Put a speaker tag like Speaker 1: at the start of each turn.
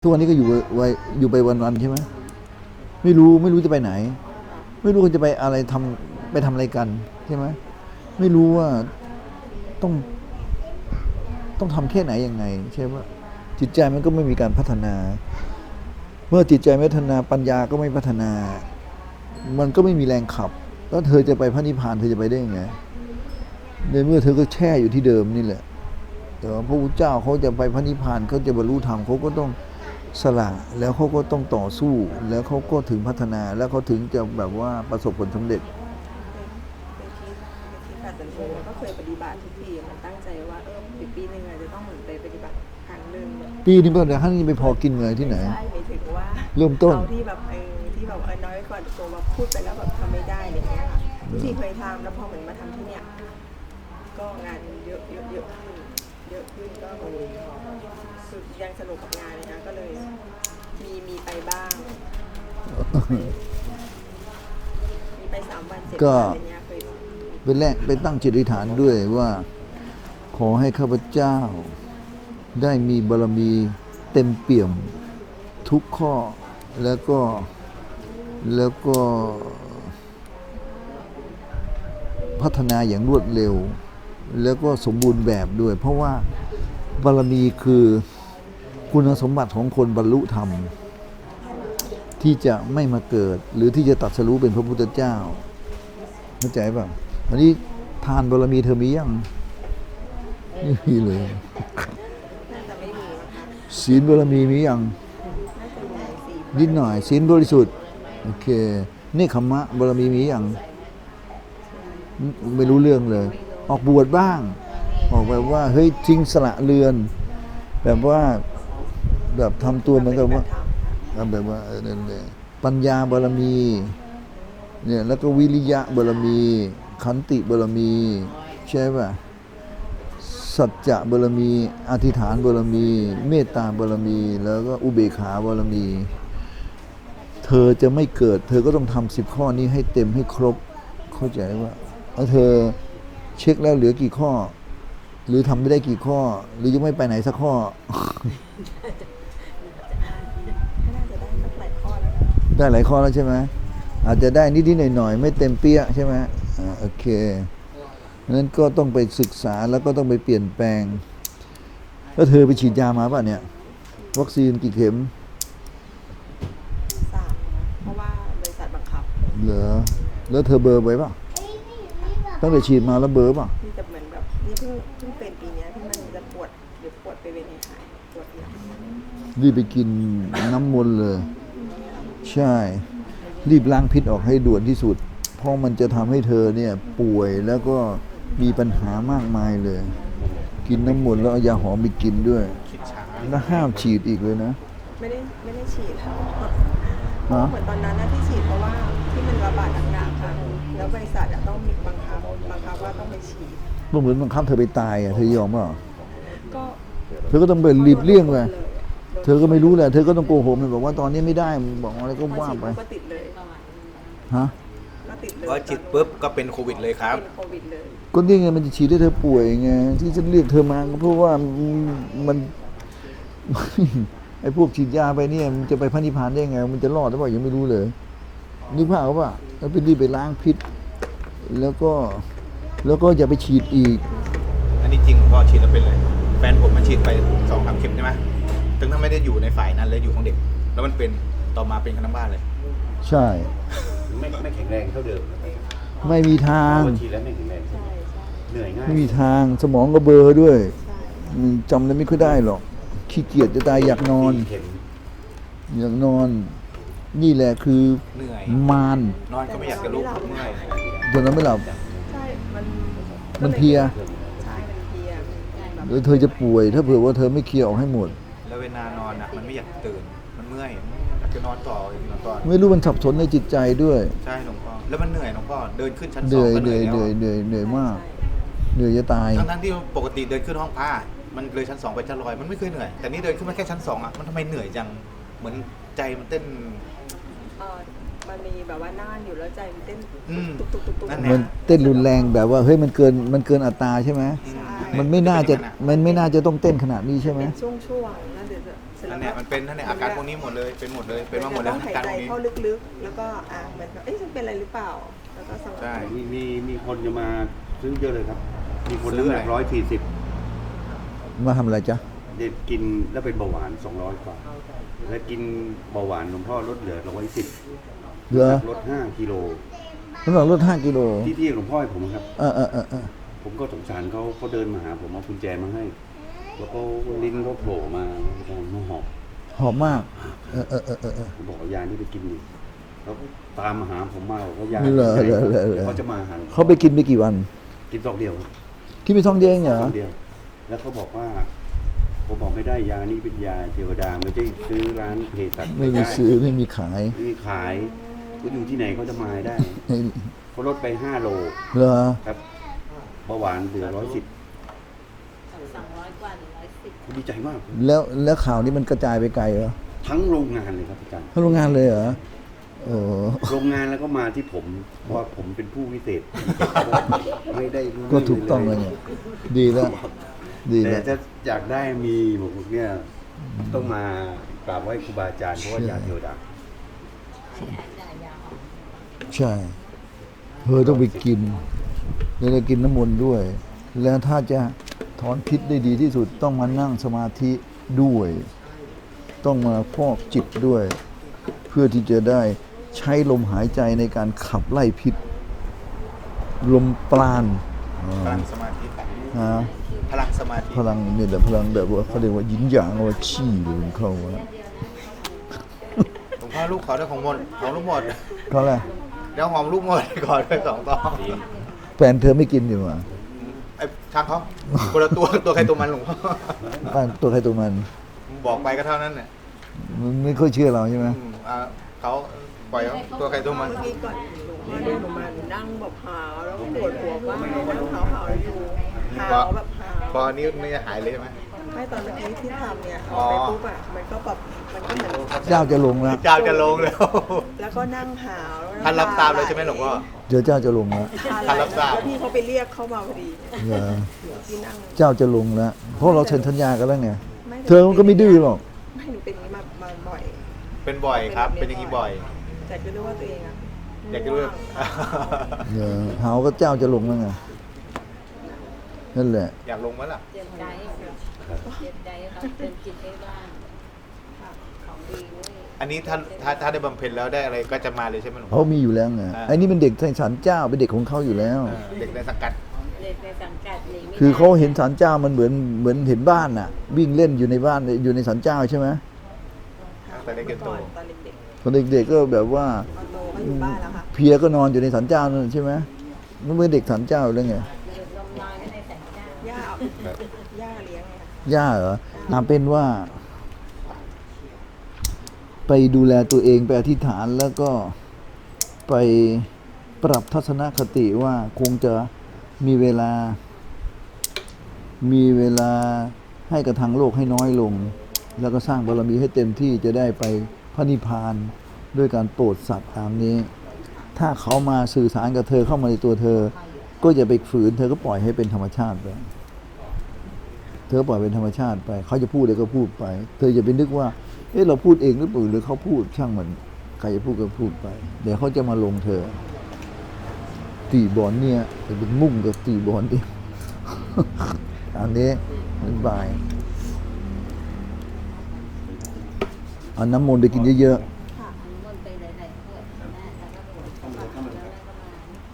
Speaker 1: ทุกวันนี้ก็อยู่ไปวันๆใช่ไหมไม่รู้จะไปไหน ไม่รู้ว่าจะไปอะไรไปทำอะไรกันใช่ไหมไม่รู้ว่าต้องต้องทำแค่ไหนยังไงใช่ไหมจิตใจมันก็ไม่มีการพัฒนา เมื่อจิตใจไม่พัฒนาปัญญาก็ไม่พัฒนา มันก็ไม่มีแรงขับแล้วเธอจะไปพระนิพพานเธอจะไปได้ยังไงในเมื่อเธอก็แช่อยู่ที่เดิมนี่แหละแต่ว่าพระพุทธเจ้าเขาจะไปพระนิพพานเขาจะบรรลุธรรมเขาก็ต้องสละแล้วเขาก็ต้องต่อสู้แล้วเขาก็ถึงพัฒนาแล้วเขาถึงจะแบบว่าประสบผลสำเร็จ
Speaker 2: ที่การจันโอก็เคยปฏิบัติทุกปีมันตั้งใจว่าปีหนึ่งอาจจะต้องเหมือนไปปฏิบัติครั้งหนึ่ง
Speaker 1: ปีนี้เป็นแต่ท่านนี้ไปพอกินเงินที่ไหน
Speaker 2: ใช่หมายถึงว่า
Speaker 1: เริ่มต้น
Speaker 2: เราที่แบบที่แบบน้อยกว่าตัวแบบพูดไปแล้วแบบทำไม่ได้อะไรเงี้ยค่ะทุกทีเคยทำแล้วพอเหมือนมาทำที่เนี้ยก็งานเยอะขึ้นก็คือยังสนุกกับงานเลยนะก็เลยมีไปบ้างมีไป3 วัน 7 วันอะไรเงี้ยเคย
Speaker 1: เป็นแรกไปตั้งจิตอธิษฐานด้วยว่าขอให้ข้าพเจ้าได้มีบารมีเต็มเปี่ยมทุกข้อแล้วก็พัฒนาอย่างรวดเร็วแล้วก็สมบูรณ์แบบด้วยเพราะว่าบารมีคือคุณสมบัติของคนบรรลุธรรมที่จะไม่มาเกิดหรือที่จะตรัสรู้เป็นพระพุทธเจ้าเข้าใจป่ะอันนี้ทานบารมีเธอมียังไม่มีเลย
Speaker 2: น่าจะไม่มีนะคะ
Speaker 1: ศีลบารมีมียัง
Speaker 2: น่าจะมี4
Speaker 1: นิดหน่อยศีลบริสุทธิ์โอเคเนคขมะบารมีมียังไม่รู้เรื่องเลยออกบวชบ้างออกแบบว่าเฮ้ยทิ้งสละเรือนแบบว่าแบบทำตัวเหมือนกับว่าแบบว่านั่นแหละปัญญาบารมีเนี่ยแล้วก็วิริยะบารมีขันติบารมีใช่ป่ะสัจจะบารมีอธิษฐานบารมีเมตตาบารมีแล้วก็อุเบกขาบารมีเธอจะไม่เกิดเธอก็ต้องทำ10 ข้อนี้ให้เต็มให้ครบเข้าใจว่าแล้วเธอเช็คแล้วเหลือกี่ข้อหรือทำไม่ได้กี่ข้อหรือยังไม่ไปไหนสักข้อ
Speaker 2: น่าจะได้สักหลายข้อแล้วนะ
Speaker 1: ได้หลายข้อแล้วใช่ไหมอาจจะได้นิดๆหน่อยๆไม่เต็มเปี้ยใช่ไหมโอเคนั้นก็ต้องไปศึกษาแล้วก็ต้องไปเปลี่ยนแปลงแล้วเธอไปฉีดยามาป่ะเนี่ยวัคซีนกี่เข็ม
Speaker 2: 3นะเพราะว่าบริษัทบังคับ
Speaker 1: เหรอแล้วเธอเบอร์ไว้ป่ะตั้งแต่ฉีดมาแล้วเบอร์ป่ะ
Speaker 2: ที่จะเหมือนแบบนี่เพิ่งเป็นปีนี้ที่มันจะปวดเดี๋ยวปวดไปเวรหายปวดหลัง
Speaker 1: รีบไปกินน้ำมนต์เลยใช่รีบล้างพิษออกให้ด่วนที่สุดเพราะมันจะทำให้เธอเนี่ยป่วยแล้วก็มีปัญหามากมายเลยกินน้ำมนต์แล้วเอายาหอมไปกินด้วยแล้วห้ามฉีดอีกเลยนะ
Speaker 2: ไม่ได้ฉีดค่ะเพราะเหมือนตอนนั้นนะที่ฉีดเพราะว่าที่มันระบาดหนักๆค่ะแล้วบริษัทต้องมีบังคับว่าต้องไปฉีด
Speaker 1: ก็เหมือนบังคับเธอไปตายอ่ะเธอยอมเปล่า
Speaker 2: ก็
Speaker 1: เธอก็ต้องไปหลีบเลี่ยงไปเธอก็ไม่รู้แหละเธอก็ต้องโกหกมันบอกว่าตอนนี้ไม่ได้บอกอะไรก็ว่าไป
Speaker 2: ก็ติดเลย
Speaker 1: ฮะ
Speaker 2: ก็ติดเลย
Speaker 3: พอฉีดปุ๊บก็เป็นโควิดเลยครับ
Speaker 2: เป็นโควิดเลย
Speaker 1: ก็นี่ไงมันจะฉีดให้เธอป่วยไงที่ฉันเรียกเธอมาก็เพราะว่ามัน ไอ้พวกฉีดยาไปเนี่ยมันจะไปพระนิพพานได้ไงมันจะรอดหรือเปล่ายังไม่รู้เลยนึกภาพว่าแล้วไปรีบไปล้างพิษแล้วก็อย่าไปฉีดอีก
Speaker 3: อันนี้จริงพอฉีดแล้วเป็นเลยแฟนผมมันฉีดไป2-3 เข็มใช่ไหมถึงถ้าไม่ได้อยู่ในฝ่ายนั้นเลยอยู่ของเด็กแล้วมันเป็นต่อมาเป็นทั้งบ้านเลย
Speaker 1: ใช่
Speaker 4: ไม่แข็งแรงเท่าเดิม
Speaker 1: ไม่มีทาง
Speaker 4: ฉีดแล้วไม่แข็งแรงเหนื่อยง่าย
Speaker 1: ไม่มีทางสมองก็เบลอด้วยจำอะไรไม่ค่อยได้หรอกขี้เกียจจะตายอยากนอนนี่แหละคือ
Speaker 3: เหนื่อย
Speaker 1: มาร
Speaker 3: นอนก็ไม่อยากจะลุกเมื่อย
Speaker 1: จนนั้นไม่หลับ
Speaker 2: ใช่
Speaker 1: มันเพลีย
Speaker 2: ใช่มันเพลีย
Speaker 1: แล้วเธอจะป่วยถ้าเผื่อว่าเธอไม่เคลียร์ออกให้หมด
Speaker 3: แล้วเวลานอนอ่ะมันไม่อยากตื่นมันเมื่อยอยากจะนอนต่อ
Speaker 1: ไม่รู้มันสับสนในจิตใจด้วย
Speaker 3: ใช่หลวงพ่อแล้วมันเหนื่อยหลวงพ่อเดินขึ้นชั้น
Speaker 1: 2ก็
Speaker 3: เหนื่อยแล้ว
Speaker 1: เหนื่อยมากเหนื่อยจะตาย
Speaker 3: ทั้งที่ปกติเดินขึ้นห้องผ้ามันเลยชั้น2ไปชั้น100มันไม่เคยเหนื่อยแต่นี่เดินขึ้นมาแค่ชั้น2อ่ะมันทำไมเหนื่อยจังเหมือนใจมันเต้น
Speaker 2: มันมีแบบว่าน่านอยู่แล้วใจมันเต้นตุก
Speaker 1: มันเต้นรุนแรงแบบว่าเฮ้ยมันเกินอัตราใช่ไหมมันไม่น่าจะต้องเต้นขนาดนี้ใช่ไหม
Speaker 2: ช่วงๆแล้วเดี๋ยวเสร็จ
Speaker 3: นั่นแหละมันเป็นนั่นแหละอาการพวกนี้หมดเลยเป็นหมดเลยเป็นมาหมดแล้ว
Speaker 2: ต้องหาย
Speaker 3: อาการ
Speaker 2: ใจ
Speaker 3: พวกนี้
Speaker 2: เข้าลึกๆ แล้วก็มันก็ฉันเป็นอะไรหรือเปล่า แล้วก็สงบ
Speaker 3: ใช่
Speaker 4: มีคนจะมาซื้อเยอะเลยครับ มีคน
Speaker 3: ซื้อ
Speaker 4: น้ำห
Speaker 3: อะไร
Speaker 4: นัก140
Speaker 1: มาทำอะไรจ๊ะ
Speaker 4: เด็กกินแล้วเป็นเบาหวาน200 กว่า แล้วกินเบาหวานหลวงพ่อลดเหลือ110
Speaker 1: เหรอ
Speaker 4: ลด5 กิโล
Speaker 1: น้ำหนักลด5 กิโล
Speaker 4: ที่หลวงพ่อให้ผมครับ
Speaker 1: เออ
Speaker 4: ผมก็สงสารเขาเดินมาหาผมเอากุญแจมาให้ แล้วก็ลิ้นเขาโผล่มาหอบ
Speaker 1: หอมมาก เออ
Speaker 4: ผมบอกเอายานี่ไปกินดิแล้วก็ตามมาหาผมมาบอกว่ายา
Speaker 1: เหรอ
Speaker 4: ที่ไหน
Speaker 1: เหรอ
Speaker 4: เขาจะมาหา
Speaker 1: เขาไปกินไปกี่วัน
Speaker 4: กินซองเดียวครับ
Speaker 1: กินไปท้องเดียวเองเหรอ
Speaker 4: ซองเดียว แล้วเขาบอกว่า ผมบอกไม่ได้ยานี่เป็นยาเทวดาไม่ใช่ซื้อร้านเภสัช
Speaker 1: ไม่มีซื้อไม่มีขาย
Speaker 4: ไม่มีขายก็อยู่ที่ไหนเขาจะมาได้เขาลดไป5 โล
Speaker 1: เหรอ
Speaker 4: ครับเบาหวานเหลือ110
Speaker 5: 200 กว่า110
Speaker 4: ดีใจมาก
Speaker 1: แล้วข่าวนี้มันกระจายไปไกลเหรอ
Speaker 4: ทั้งโรงงานเลยครับอาจารย์
Speaker 1: ทั้งโรงงานเลยเหรอโอ้
Speaker 4: โรงงานแล้วก็มาที่ผมเพราะว่าผมเป็นผู้วิเศษ ไม่ได้รู้
Speaker 1: ก็ถูกต้องเลยเนี่ยดีแล้ว ดี
Speaker 4: แต่
Speaker 1: แล้ว
Speaker 4: จะอยากได้มีบอกเนี่ยต้องมากราบไหว้ครูบาอาจารย์เพราะว่ายาเทวดา
Speaker 1: ใช่เธอต้องไปกินแล้วจะกินน้ำมนต์ด้วย แล้วถ้าจะถอนพิษได้ดีที่สุดต้องมานั่งสมาธิด้วย ต้องมาฟอกจิตด้วย เพื่อที่จะได้ใช้ลมหายใจในการขับไล่พิษ ลมปราณ
Speaker 3: พลังสมาธิ
Speaker 1: นะ
Speaker 3: พลังสมาธิ
Speaker 1: พลังเนี่ยแหละพลังแบบว่าเขาเรียกว่ายินหยางว่าชี่เลยมันเข้ามา
Speaker 3: หลวงพ่อลูกขอด้วยของหมดของลูกหมด
Speaker 1: เขาแหละ
Speaker 3: เดี๋ยวหอมลูกหมดขอด้วย2 ตอง
Speaker 1: แฟนเธอไม่กินดีกว่า
Speaker 3: ไอ้ช่างเขาคนละตัวใครตัวมันหลวงพ่อ
Speaker 1: บ้านตัวใครตัวมัน
Speaker 3: บอกไปก็เท่านั้นเนี่ย
Speaker 1: มันไม่ค่อยเชื่อเราใช่ไหม
Speaker 3: เขาปล่อยเขาตัวใครตัวมัน
Speaker 2: เมื่อกี้ก่อนหนูเดินออกมาหนูนั่งแบบหาวแล้วก็ปวดหัวมากนั่งหาวอยู่หาวแบบหาว
Speaker 3: พอนี้ไม่หายเลยใช่ไหม
Speaker 2: ไม่ตอนเมื่อกี้ที่ทำเนี่ย
Speaker 3: อ๋อ
Speaker 2: ไปปุ๊บมันก็แบบมันก็เหมือน
Speaker 1: เจ้าจะลงแล้ว
Speaker 3: เจ้าจะลงแล้ว
Speaker 2: แล้วก็นั่งหาวแล้ว
Speaker 3: ท่านรับทราบเลยใช่ไหมหลวงพ่อ
Speaker 1: เดี๋ยวเจ้าจะลงแล้ว
Speaker 3: ท่านรับทราบ
Speaker 2: แล้วพี่เขาไปเรียกเข้ามาพอดี
Speaker 1: เหรอ
Speaker 2: ที่นั่ง
Speaker 1: เจ้าจะลงแล้ว เพราะเราเซ็นสัญญากันแล้วไง
Speaker 2: ไม่
Speaker 1: เธอมันก็ไม่ดื้อหรอก
Speaker 2: ไม่หนูเป็นอย่างนี้มาบ่อย
Speaker 3: เป็นบ่อยครับ เป็นอย่างนี้บ่อย
Speaker 2: แต่ก็รู้ว่าตัวเองอะ
Speaker 3: อยากจะรู้
Speaker 2: ง่วง
Speaker 1: หาก็เจ้าจะลงแล้วไง นั่นแหละ
Speaker 3: อยากลงไหมล่ะ
Speaker 5: เตรียมใจเตรียมใจครับเตรียมจิตให้ว่างของดีเว้ย
Speaker 3: อันนี้ถ้าได้บำเพ็ญแล้วได้อะไรก็จะมาเลยใช่ไหมหลวงพ่
Speaker 1: เขา
Speaker 3: อ
Speaker 1: มีอยู่แล้วไงไอ้นี่เป็นเด็กในศาลเจ้าเป็นเด็กของเขาอยู่แล้ว
Speaker 3: เด็กในสังกัด
Speaker 5: เด็กในสังกัดหนีไม่ได้
Speaker 1: คือเขาเห็นศาลเจ้ามันเหมือนเห็นบ้านน่ะ วิ่งเล่นอยู่ในบ้านอยู่ในศาลเจ้าใช่ไหม
Speaker 3: แต่เด็กโต
Speaker 2: ตอนเด็ก
Speaker 1: ตอนเด็กๆก็แบบว่า
Speaker 2: ๆตอนโตก็อยู่บ้านแล้วค่ะ
Speaker 1: เพลียก็นอนอยู่ในศาลเจ้านั่นใช่ไหมมันเป็นเด็กศาลเจ้าแล้วไง
Speaker 5: เด็กลมนอนก็ในสังกัด
Speaker 2: ย่าเอาย่าเลี้ยงไงคะ
Speaker 1: ย่าเหรอเป็นว่า ไปดูแลตัวเองไปอธิษฐานแล้วก็ไปปรับทัศนคติว่าคงจะมีเวลาให้กับทางโลกให้น้อยลง แล้วก็สร้างบารมีให้เต็มที่จะได้ไปพระนิพพานด้วยการโปรดสัตว์ตามนี้ ถ้าเขามาสื่อสารกับเธอเข้ามาในตัวเธอ ก็อย่าไปฝืนเธอก็ปล่อยให้เป็นธรรมชาติไป เธอปล่อยเป็นธรรมชาติไป เขาจะพูดอะไรก็พูดไป เธออย่าไปนึกว่า เราพูดเองหรือเปล่าหรือเขาพูดช่างมัน ใครจะพูดก็พูดไป เดี๋ยวเขาจะมาลงเธอ ตีบอลเนี่ยจะเป็นมุ่งกับตีบอลเอง อันนี้มันบายเอาน้ำมนต์ไปกินเยอะๆ